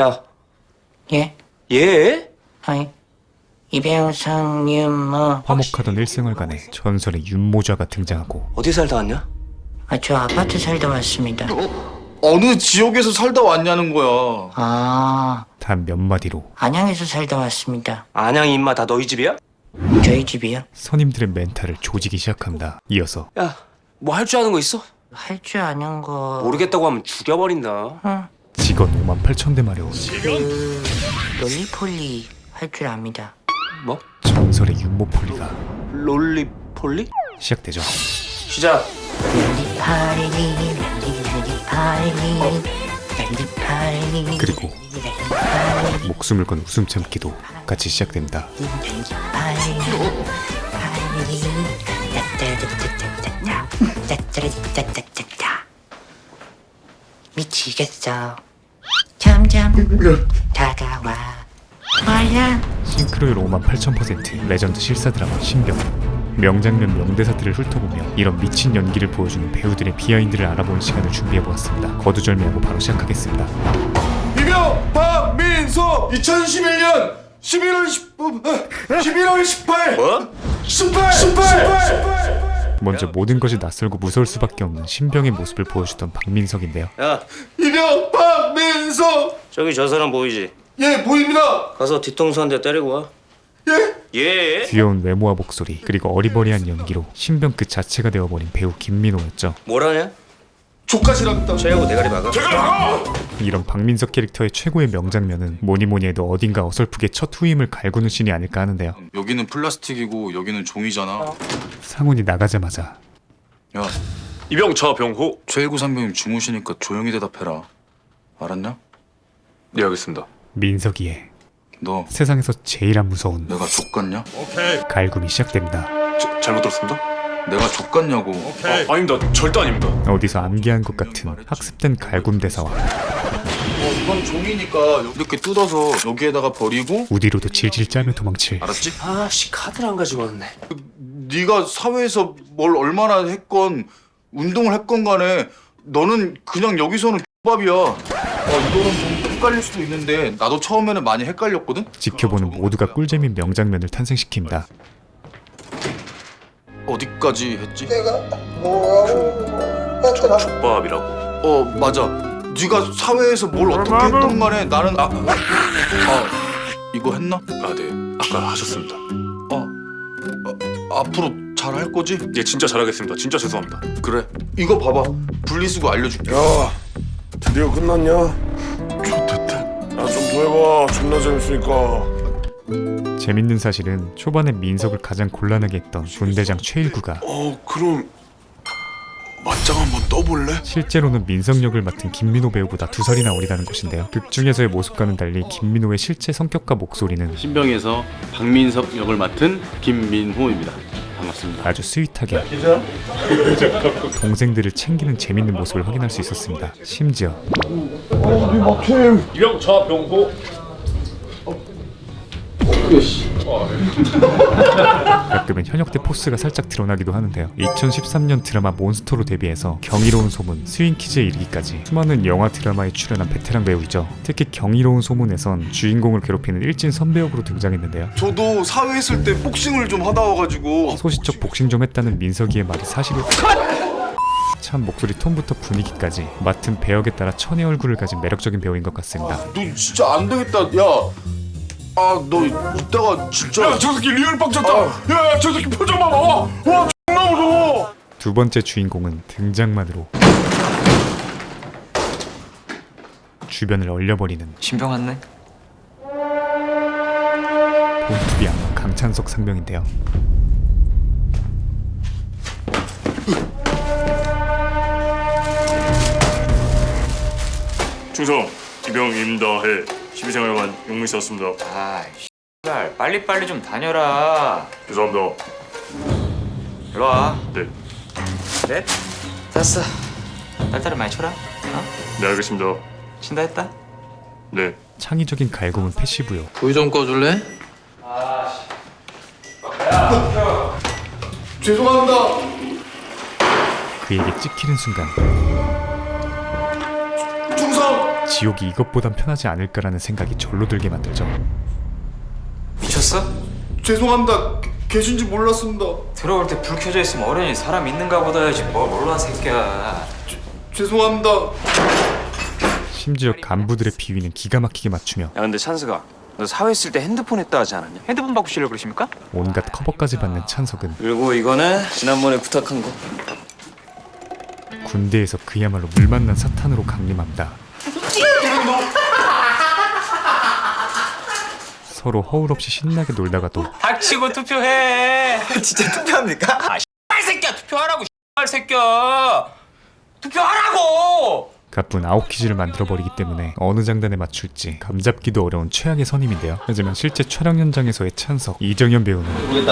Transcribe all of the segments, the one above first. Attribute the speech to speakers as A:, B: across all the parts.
A: 야,
B: 예?
A: 얘?
B: 아이, 이병상 윤모.
C: 화목하던 일생활간에 전설의 윤모자가 등장하고
A: 어디 살다 왔냐?
B: 저 아파트 살다 왔습니다.
D: 어느 지역에서 살다 왔냐는 거야.
B: 아,
C: 단 몇 마디로
B: 안양에서 살다 왔습니다.
A: 안양 임마 다 너희 집이야?
B: 저희 집이요?
C: 선임들의 멘탈을 조지기 시작합니다. 이어서
A: 야, 뭐 할 줄 아는 거 있어?
B: 할 줄 아는 거.
A: 모르겠다고 하면 죽여버린다.
B: 응.
C: 직원 58,000대 마려운
B: 롤리폴리 할 줄 압니다.
A: 뭐?
C: 전설의 윤모폴리가
A: 롤리폴리?
C: 시작되죠.
A: 시작.
C: 그리고 목숨을 건 웃음 참기도 같이 시작됩니다.
B: 미치겠어. 점점 다가와 와야.
C: 싱크로율 58,000%, 레전드 실사 드라마 신병. 명장면 명대사들을 훑어보며 이런 미친 연기를 보여주는 배우들의 비하인드를 알아보는 시간을 준비해보았습니다. 거두절미하고 바로 시작하겠습니다.
D: 이병 박민석 2011년 11월 18
A: 뭐?
D: 18
C: 먼저 모든 것이 낯설고 무서울 수밖에 없는 신병의 모습을 보여주던 박민석인데요.
A: 야,
D: 이병 박민석
A: 저기 저 사람 보이지?
D: 예 보입니다.
A: 가서 뒤통수 한 대 때리고 와.
D: 예
A: 예?
C: 귀여운 외모와 목소리, 그리고 어리버리한 연기로 신병 그 자체가 되어버린 배우 김민호였죠.
A: 뭐라냐?
D: 조카시랍니다.
A: 쟤하고 대가리 박아.
C: 이런 박민석 캐릭터의 최고의 명장면은 뭐니뭐니 해도 어딘가 어설프게 첫 후임을 갈구는 씬이 아닐까 하는데요.
D: 여기는 플라스틱이고 여기는 종이잖아.
C: 상훈이 나가자마자
D: 야
E: 이병 저병호.
D: 최일구 선배님 주무시니까 조용히 대답해라. 알았냐?
E: 네, 알겠습니다.
C: 민석이의
D: 너
C: 세상에서 제일 안 무서운
D: 내가 족같냐?
C: 갈굼이 시작됩니다.
E: 잘못 들었습니다.
D: 내가 족같냐고.
E: 아닙니다. 절대 아닙니다.
C: 어디서 암기한 것 같은 학습된 갈굼 대사와
D: 이건 종이니까 이렇게 뜯어서 여기에다가 버리고.
C: 우디로도 질질 짜며 도망칠
D: 알았지?
A: 아씨, 카드를 안 가지고 왔네.
D: 네가 사회에서 뭘 얼마나 했건 운동을 했건 간에 너는 그냥 여기서는 X밥이야. 이거는 좀 헷갈릴 수도 있는데 나도 처음에는 많이 헷갈렸거든?
C: 지켜보는 모두가 꿀잼인 명장면을 탄생시킵니다.
D: 어디까지 했지?
E: 족밥이라고.
D: 맞아. 네가 사회에서 뭘 어떻게 했던 간에 나는 이거 했나?
E: 아, 네. 아까 하셨습니다.
D: 앞으로 잘 할 거지?
E: 예, 진짜 잘하겠습니다. 진짜 죄송합니다.
D: 그래. 이거 봐봐. 분리수거 알려줄게.
F: 야, 드디어 끝났냐?
D: 좋겠다.
F: 야, 좀 더 해봐. 존나 재밌으니까.
C: 재밌는 사실은 초반에 민석을 가장 곤란하게 했던 군대장 최일구가
F: 그럼 맞짱 한번 떠볼래?
C: 실제로는 민석 역을 맡은 김민호 배우보다 2살이나 어리다는 것인데요. 극 중에서의 모습과는 달리 김민호의 실제 성격과 목소리는
G: 신병에서 박민석 역을 맡은 김민호입니다. 반갑습니다.
C: 아주 스윗하게 동생들을 챙기는 재밌는 모습을 확인할 수 있었습니다. 심지어
E: 이병 저병호.
C: 가끔은 현역대 포스가 살짝 드러나기도 하는데요. 2013년 드라마 몬스터로 데뷔해서 경이로운 소문, 스윙키즈에 이르기까지 수많은 영화 드라마에 출연한 베테랑 배우이죠. 특히 경이로운 소문에선 주인공을 괴롭히는 일진 선배역으로 등장했는데요.
D: 저도 사회 있을 때 복싱을 좀 하다 와가지고.
C: 소시적 복싱 좀 했다는 민석이의 말이 사실을 참 목소리 톤부터 분위기까지 맡은 배역에 따라 천의 얼굴을 가진 매력적인 배우인 것 같습니다.
D: 너 진짜 안 되겠다. 야. 너 이따가 진짜.
F: 야, 저 새끼 리얼 빡쳤다. 야, 저 새끼 표정 봐봐. 와, 존나 무서워.
C: 두 번째 주인공은 등장만으로 주변을 얼려버리는
A: 신병 왔네.
C: 본투비 악마 강찬석 상병인데요.
E: 충성 이병 임다해 12생활관 용문 씨였습니다.
H: 아, 씨발 빨리빨리 좀 다녀라.
E: 죄송합니다.
H: 일로 와.
E: 네,
H: 그래? 됐어. 딸딸이 많이 쳐라.
E: 네 알겠습니다.
H: 친다 했다.
E: 네.
C: 창의적인 갈굼은 패시브요.
A: 불 좀 꺼줄래?
D: 죄송합니다.
C: 그에게 찍히는 순간
D: 충성.
C: 지옥이 이것보단 편하지 않을까라는 생각이 절로 들게 만들죠.
H: 미쳤어?
D: 죄송합니다. 계신지 몰랐습니다.
H: 들어올 때 불 켜져 있으면 어련히 사람 있는가 보다 해야지 뭘 몰라 새끼야.
D: 죄송합니다.
C: 심지어 간부들의 비위는 기가 막히게 맞추며
A: 야 근데 찬스가 너 사회 있을 때 핸드폰 했다 하지 않았냐?
H: 핸드폰 바꾸시려고 그러십니까?
C: 온갖 커버까지 받는 찬석은
A: 그리고 이거는 지난번에 부탁한 거.
C: 군대에서 그야말로 물 만난 사탄으로 강림합니다. 서로 허울 없이 신나게 놀다가도
H: 닥치고 투표해. 진짜 투표합니까? 아 씨발 새끼야 투표하라고 씨발 새끼야. 투표하라고.
C: 가쁜 아웃퀴즈를 만들어버리기 때문에 어느 장단에 맞출지 감잡기도 어려운 최악의 선임인데요. 하지만 실제 촬영 현장에서의 찬석, 이정현 배우는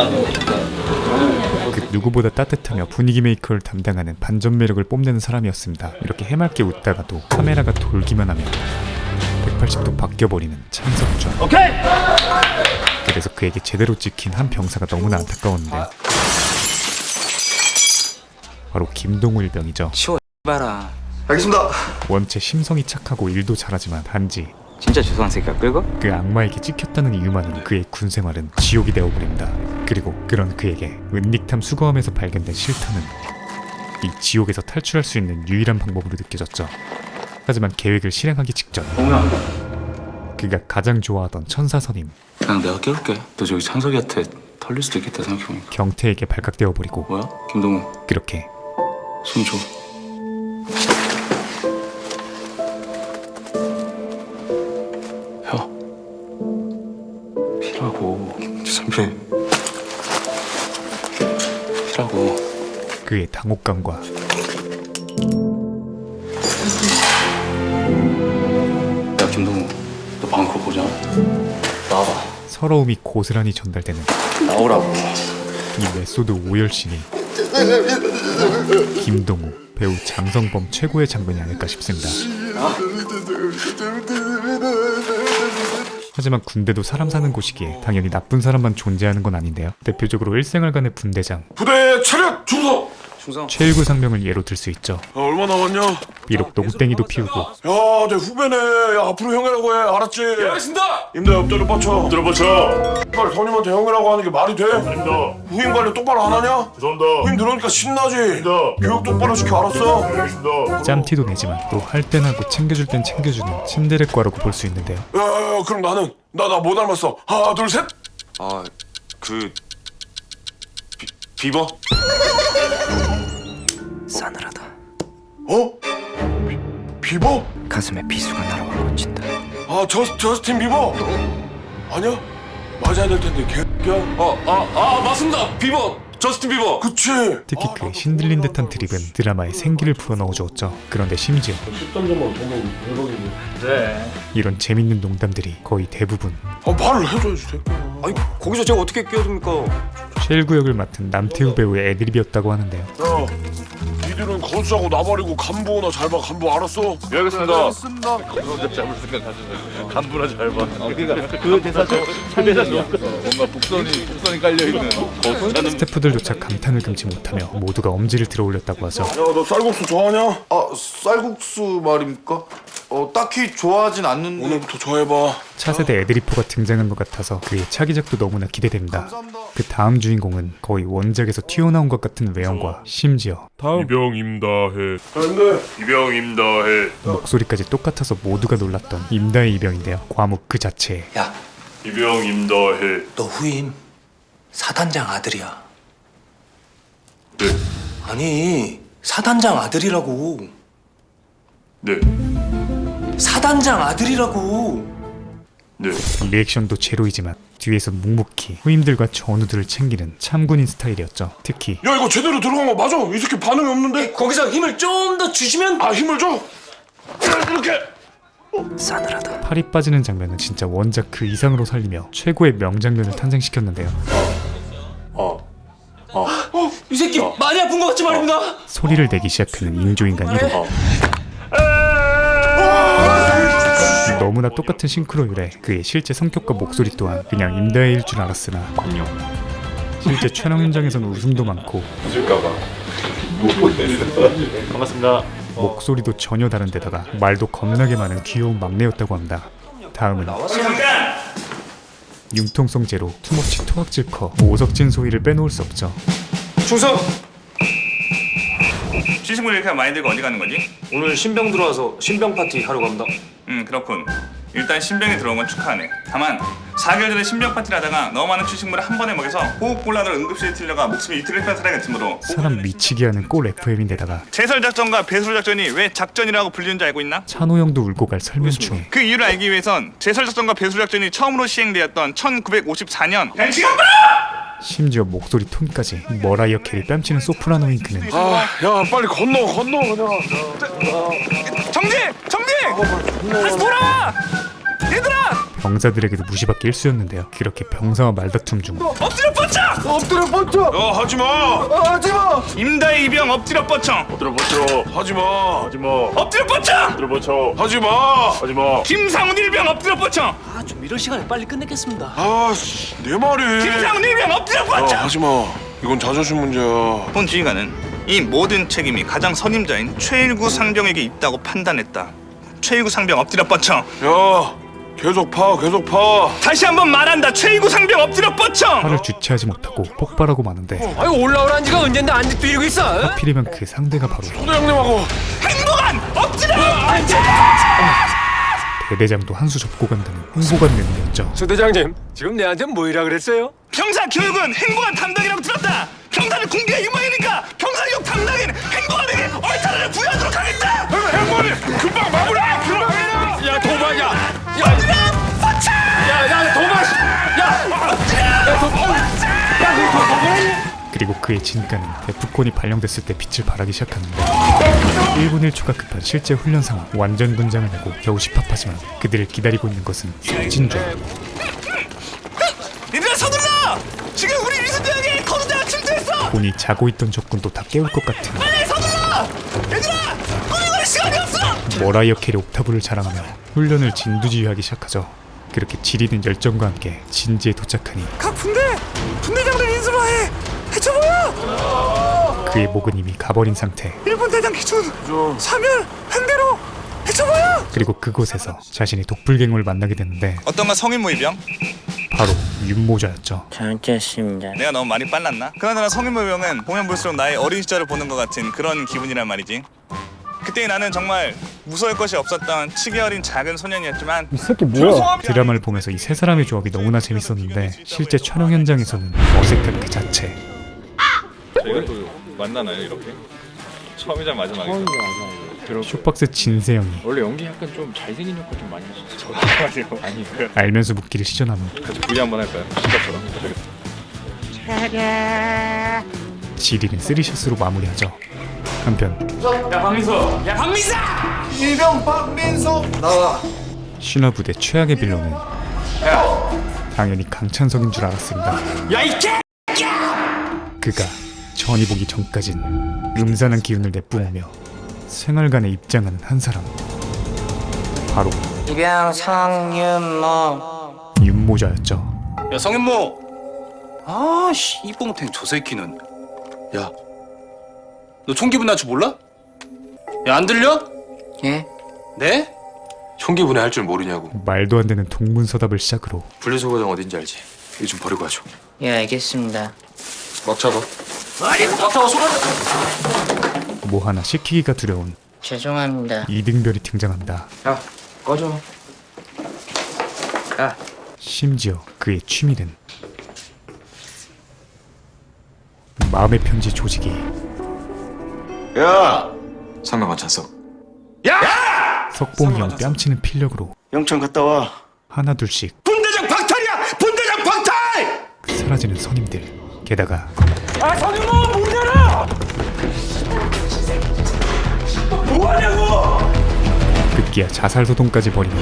C: 그 누구보다 따뜻하며 분위기 메이커를 담당하는 반전 매력을 뽐내는 사람이었습니다. 이렇게 해맑게 웃다가도 카메라가 돌기만 하면 180도 바뀌어버리는 찬석준. 그래서 그에게 제대로 찍힌 한 병사가 너무나 안타까웠는데요. 바로 김동우 일병이죠.
H: 치워 봐라.
D: 알겠습니다.
C: 원체 심성이 착하고 일도 잘하지만 단지
H: 진짜 죄송한 새끼야 끌고?
C: 그 악마에게 찍혔다는 이유만으로 그의 군 생활은 지옥이 되어버립니다. 그리고 그런 그에게 은닉탐 수거함에서 발견된 실탄은 이 지옥에서 탈출할 수 있는 유일한 방법으로 느껴졌죠. 하지만 계획을 실행하기 직전 그가 가장 좋아하던 천사선임
G: 그냥 내가 깨울게. 너 저기 찬석이한테 털릴 수도 있겠다 생각해보니까.
C: 경태에게 발각되어버리고
G: 뭐야? 김동우
C: 그렇게
G: 손 줘. 혀. 피라고. 선배. 피라고.
C: 그의 당혹감과
G: 야 김동우, 너 방금 그거 보자. 나와봐.
C: 서러움이 고스란히 전달되는
A: 나오라고.
C: 이 메소드 오열신이 김동우, 배우 장성범 최고의 장면이 아닐까 싶습니다. 하지만 군대도 사람 사는 곳이기에 당연히 나쁜 사람만 존재하는 건 아닌데요. 대표적으로 일생활간의 분대장
F: 부대 차렷 중성.
C: 최일구 상명을 예로 들 수 있죠.
F: 얼마 남았냐?
C: 비록 농땡이도 피우고
F: 야, 내 후배네. 야, 앞으로 형이라고 해. 알았지? 예, 알겠습니다. 임대 엎드려 뻗쳐. 엎드려 뻗쳐. 빨리 선임한테 형이라고 하는 게 말이 돼? 아닙니다. 후임 관리 똑바로 안 하냐? 죄송합니다. 후임 들어오니까 신나지? 아닙니다. 교육 똑바로 시켜. 알았어? 알겠습니다.
C: 짬티도 내지만 또 할 땐 하고 챙겨줄 땐 챙겨주는 침대레과라고 볼 수 있는데요.
F: 야, 그럼 나는 나 뭐 닮았어? 하나, 둘, 셋.
A: 비버?
H: 싸늘하다.
F: 어? 비버?
H: 가슴에 비수가 날아와 꽂힌다.
F: 아, 저스틴 비버? 아니야? 맞아야 될 텐데 개야.
A: 맞습니다. 비버. 저스틴 비버.
F: 그치?
C: 특히 그의 신들린 듯한 드립은 드라마에 생기를 불어넣어주었죠. 그런데 심지어 이런 재밌는 농담들이 거의 대부분
F: 말을 해줘야지 새끼야.
A: 아니 거기서 제가 어떻게 끼어듭니까?
C: 쉘구 역을 맡은 남태우 배우의 애드립이었다고 하는데요.
F: 야, 니들은 거수하고 나발이고 간부나 잘 봐. 간부 알았어? 예, 알겠습니다.
C: 스태프들조차 감탄을 금치 못하며 모두가 엄지를 들어 올렸다고 하죠.
F: 야, 너 쌀국수 좋아하냐?
D: 쌀국수 말입니까? 딱히 좋아하진 않는데.
F: 오늘부터 좋아해봐.
C: 차세대 애드리퍼가 등장한 것 같아서 그의 차기작도 너무나 기대됩니다. 그 다음 주인공은 거의 원작에서 튀어나온 것 같은 외형과 심지어
F: 이병 임다해. 근데 이병 임다해.
C: 목소리까지 똑같아서 모두가 놀랐던 임다의 이병인데요. 과묵 그 자체에
A: 야,
F: 이병 임다해.
A: 너 후임 사단장 아들이야.
F: 네.
A: 아니 사단장 아들이라고.
F: 네.
A: 사단장 아들이라고.
F: 네.
C: 리액션도 제로이지만 뒤에서 묵묵히 후임들과 전우들을 챙기는 참군인 스타일이었죠. 특히
F: 야, 이거 제대로 들어간 거 맞아? 이 새끼 반응이 없는데?
A: 거기서 힘을 좀 더 주시면.
F: 아, 힘을 줘. 이렇게.
A: 싸늘하다.
C: 팔이 빠지는 장면은 진짜 원작 그 이상으로 살리며 최고의 명장면을 탄생시켰는데요.
A: 이 새끼 많이 아픈 것 같지 말입니다.
C: 소리를 내기 시작하는 인조인간 1호. 너무나 똑같은 싱크로율에 그의 실제 성격과 목소리 또한 그냥 임다해일 줄 알았으나 실제 촬영 현장에서는 웃음도 많고
E: 반갑습니다.
C: 목소리도 전혀 다른 데다가 말도 겁나게 많은 귀여운 막내였다고 합니다. 다음은 융통성제로 투머치 토악질커 오석진 소희를 빼놓을 수 없죠.
A: 충성!
E: 시식물 이렇게 많이 들고 어디 가는 거지?
A: 오늘 신병 들어와서 신병 파티 하러 갑니다.
E: 그렇군. 일단 신병이 들어온 건 축하하네. 다만 4개월 전에 신병 파티를 하다가 너무 많은 추식물을 한 번에 먹여서 호흡곤란으로 응급실에 틀려가 목숨이 이틀을 뺀 사례가 있으므로
C: 사람 미치게 하는 꼴 FM인데다가
E: 제설작전과 배수작전이 왜 작전이라고 불리는지 알고 있나?
C: 찬호 형도 울고 갈 설문충.
E: 그 이유를 알기 위해선 제설작전과 배수작전이 처음으로 시행되었던 1954년
C: 심지어 목소리 톤까지 머라이어 캐리 뺨치는 소프라노인 그는
F: 야 빨리 건너 그냥.
E: 정지! 다시 돌아와! 얘들아!
C: 병사들에게도 무시받기 일쑤였는데요. 그렇게 병사와 말다툼 중
E: 엎드려 뻗쳐!
F: 야 하지마.
E: 임다의 이병 엎드려 뻗쳐!
F: 하지마.
E: 엎드려 뻗쳐!
F: 하지마.
E: 김상훈 일병 엎드려 뻗쳐!
A: 아, 좀 이런 시간에 빨리 끝내겠습니다.
F: 내 말이.
E: 김상훈 일병 엎드려 뻗쳐!
F: 하지마. 이건 자존심 문제야.
E: 본 지휘관은 이 모든 책임이 가장 선임자인 최일구 상병에게 있다고 판단했다. 최일구 상병 엎드려 뻗쳐!
F: 야 계속 파.
E: 다시 한번 말한다. 최일구 상병 엎드려 뻗쳐!
C: 화를 주체하지 못하고 폭발하고 마는데
A: 아이고, 올라오란 지가 언젠데 아직도 이러고 있어?
C: 하필이면 그 상대가 바로
F: 소대장님하고.
E: 행복한 엎드려 뻗쳐!
C: 대대장도 한 수 접고 간다는 행복한 내용이었죠.
A: 소대장님, 지금 내한테 뭐이라 그랬어요?
E: 병사 교육은 행복한 담당이라고 들었다. 병사는 군기의 유망이니까 병사교육 담당인 행복한에게 얼타를 부여하도록 하겠다.
F: 행복이 금방 마무리.
A: 야, 도망이야! 야,
E: 뻗쳐!
A: 야, 도망!
C: 그리고 그의 진가는 데프콘이 발령됐을 때 빛을 발하기 시작하는데 1분 1초가 급한 실제 훈련 상황. 완전 군장을 내고 겨우 집합하지만 그들을 기다리고 있는 것은 진주.
E: 얘들아 서둘러! 지금 우리 위수대학에 거두대가 침투했어!
C: 본이 자고 있던 적군도 다 깨울 것 같은
E: 빨리 서둘러! 얘들아! 꾸미거릴 시간이 없어!
C: 머라이어 캐리 옥타브를 자랑하며 훈련을 진두지휘하기 시작하죠. 그렇게 지리는 열정과 함께 진지에 도착하니
E: 각 분대장들 인수로 해! 해쳐보여!
C: 그의 목은 이미 가버린 상태.
E: 일본 대장 기준! 사면 횡대로 해쳐보여!
C: 그리고 그곳에서 자신이 독불갱을 만나게 되는데
E: 어떤가 성인 모의병?
C: 바로 윤모자였죠.
B: 잘못했습니다.
E: 내가 너무 많이 빨랐나? 그나저나 성인 모의병은 보면 볼수록 나의 어린 시절을 보는 것 같은 그런 기분이란 말이지. 그때 나는 정말 무서울 것이 없었던 치기 어린 작은 소년이었지만 이 새끼 뭐야?
C: 드라마를 보면서 이 세 사람의 조합이 너무나 재밌었는데 실제 촬영 현장에서는 어색한 그 자체.
E: 저희가 또 만나나요 이렇게? 처음이자 마지막이죠.
C: 쇼박스 진세영이
I: 원래 연기 약간 좀 잘생긴 역할 좀 많이 하셨어요. 아니요.
C: 알면서 묻기를 시전하며
E: 같이 부리 한번 할까요? 시작처럼.
C: 지리는 쓰리샷으로 마무리하죠. 한편
A: 야, 박민사!
D: 일병 박민석 나와.
C: 신화 부대 최악의 빌런은 당연히 강찬석인 줄 알았습니다.
A: 야, 이 개!
C: 그가 전이 보기 전까진 음산한 기운을 내뿜으며 생활관에 입장하는 한 사람, 바로
B: 이병 성윤모.
C: 윤모자였죠.
G: 야 성현모. 아씨 이뽕탱 저 새끼는. 야 너 총기분 날 줄 몰라? 야 안 들려?
B: 예?
G: 네?
F: 총기분해 할 줄 모르냐고.
C: 말도 안 되는 동문서답을 시작으로
F: 분리수거장 어딘지 알지? 이거 좀 버리고 가죠.
B: 예, 알겠습니다.
F: 막 잡아.
C: 뭐 하나 시키기가 두려운
B: 죄송합니다.
C: 이등별이 등장합니다.
B: 야, 꺼져. 야.
C: 심지어 그의 취미는 마음의 편지 조직이
F: 야 상가관 찬석.
C: 석봉이 형 뺨치는 필력으로
F: 영창 갔다 와.
C: 하나둘씩
F: 분대장 박탈이야. 분대장 박탈.
C: 사라지는 선임들. 게다가
A: 아, 성윤모 문 열어! 뭐하냐고!
C: 급기야 자살 소동까지 벌이며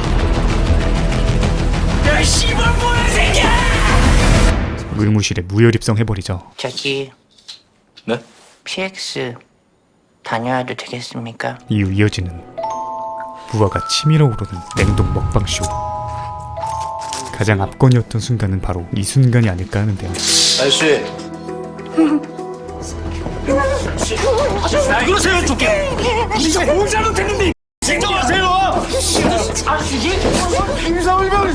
A: 야, 씨발 뭐야, 새끼야!
C: 의무실에 무혈 입성해버리죠.
B: 저기
G: 네?
B: PX 다녀와도 되겠습니까?
C: 이후 이어지는 부하가 치밀어 오르는 냉동 먹방쇼. 가장 압권이었던 순간은 바로 이 순간이 아닐까 하는데요.
G: 아저씨.
F: 그러세요, 좋게. 네가 뭘 잘못했는데? 진정하세요. 임상을병.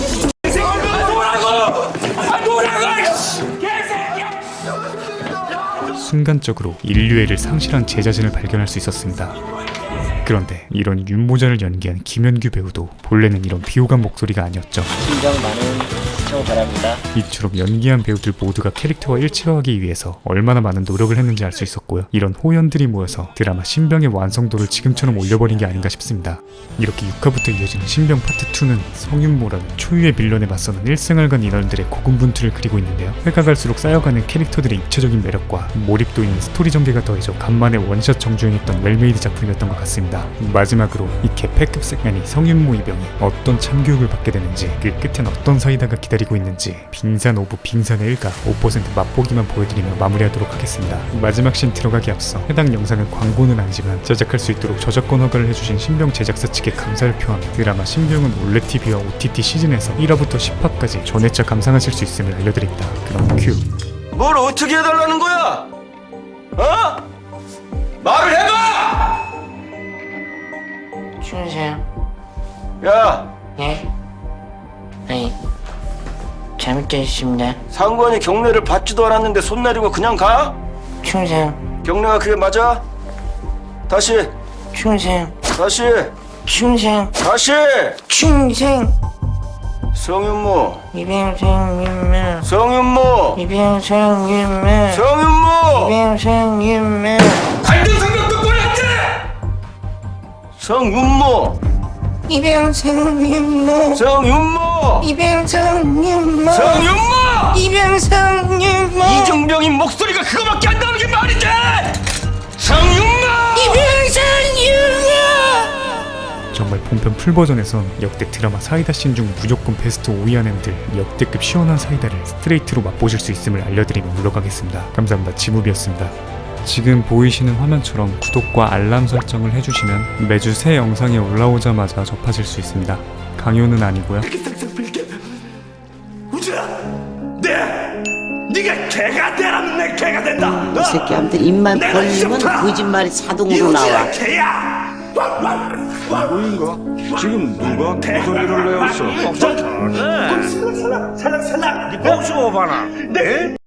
C: 순간적으로 인류애를 상실한 제 자신을 발견할 수 있었습니다. 그런데 이런 윤모자를 연기한 김현규 배우도 본래는 이런 비호감 목소리가 아니었죠.
B: 심정 많은 시청 바랍니다.
C: 이처럼 연기한 배우들 모두가 캐릭터와 일치화하기 위해서 얼마나 많은 노력을 했는지 알 수 있었고요. 이런 호연들이 모여서 드라마 신병의 완성도를 지금처럼 올려버린 게 아닌가 싶습니다. 이렇게 6화부터 이어지는 신병 파트 2는 성윤모라는 초유의 빌런에 맞서는 일생활간 인원들의 고군분투를 그리고 있는데요. 회가 갈수록 쌓여가는 캐릭터들의 입체적인 매력과 몰입도 있는 스토리 전개가 더해져 간만에 원샷 정주행했던 웰메이드 작품이었던 것 같습니다. 마지막으로 이 개패급 색면이 성윤모 이병이 어떤 참교육을 받게 되는지, 그 끝엔 어떤 사이다가 기다리고 있는지 빙산 오브 빙산의 일가 5% 맛보기만 보여드리며 마무리하도록 하겠습니다. 마지막 씬 들어가기 앞서 해당 영상은 광고는 아니지만 제작할 수 있도록 저작권 허가를 해주신 신병 제작사 측에 감사를 표하며 드라마 신병은 올레TV와 OTT 시즌에서 1화부터 10화까지 전회차 감상하실 수 있음을 알려드립니다. 그럼 큐.
F: 뭘 어떻게 해달라는 거야? 어? 말을 해봐!
B: 충성.
F: 야,
B: 예? 아니, 잘못됐습니다.
F: 상관이 경례를 받지도 않았는데 손 내리고 그냥 가?
B: 충성.
F: 경례가 그게 맞아? 다시,
B: 충성.
F: 다시,
B: 충성.
F: 다시!
B: 충성.
F: 성윤모,
B: 이병성윤모.
F: 성윤모,
B: 이병성윤모.
F: 성윤모!
B: 이병성윤모.
F: 관중성명 똑바로 했지! 성윤모,
B: 이병성윤모.
F: 성윤모,
B: 이병성윤모.
F: 성윤모!
B: 이병성윤모.
F: 이정병이 목소리가 그거밖에 안 나오는 게 말이 돼! 성윤모!
B: 이병성윤모.
C: 정말 본편 풀버전에선 역대 드라마 사이다 씬 중 무조건 베스트 5위 안에들 역대급 시원한 사이다를 스트레이트로 맛보실 수 있음을 알려드리며 물러가겠습니다. 감사합니다. 지무비였습니다. 지금 보이시는 화면처럼 구독과 알람 설정을 해주시면 매주 새 영상이 올라오자마자 접하실 수 있습니다. 강요는 아니고요.
F: 네가 개가 되라면 내 개가 된다!
J: 이 새끼한테 입만 벌리면 거짓말이 자동으로 나와.
F: 개야!
D: 누구인가? 지금 누가 소리를 내었어?
F: 살락 네 뽕수고 봐라.